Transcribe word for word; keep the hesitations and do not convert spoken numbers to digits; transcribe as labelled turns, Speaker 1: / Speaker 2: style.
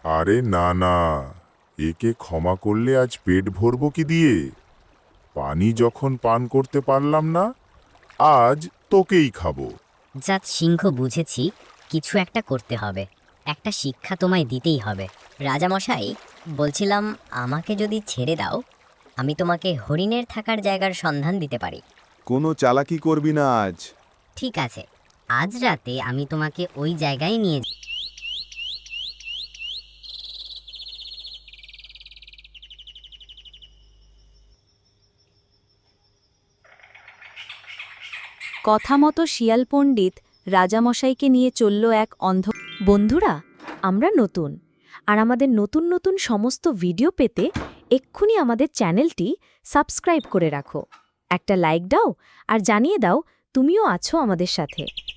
Speaker 1: আরে না না, একে ক্ষমা করলে আজ পেট ভরব কি দিয়ে? পানি যখন পান করতে পারলাম না, আজ তোকেই খাবো।
Speaker 2: জাত সিংহ, বুঝেছি, কিছু একটা করতে হবে। একটা শিক্ষা তোমায় দিতেই হবে। রাজামশাই, বলছিলাম, আমাকে যদি ছেড়ে দাও, আমি তোমাকে হরিণের থাকার জায়গার সন্ধান দিতে পারি।
Speaker 3: কোনো চালাকি করবি না আজ।
Speaker 2: ঠিক আছে, আজ রাতে আমি তোমাকে ওই জায়গায় নিয়ে যাব।
Speaker 4: কথা মতো শিয়াল পণ্ডিত রাজামশাইকে নিয়ে চলল এক অন্ধ। বন্ধুরা, আমরা নতুন, আর আমাদের নতুন নতুন সমস্ত ভিডিও পেতে এক্ষুনি আমাদের চ্যানেলটি সাবস্ক্রাইব করে রাখো, একটা লাইক দাও আর জানিয়ে দাও তুমিও আছো আমাদের সাথে।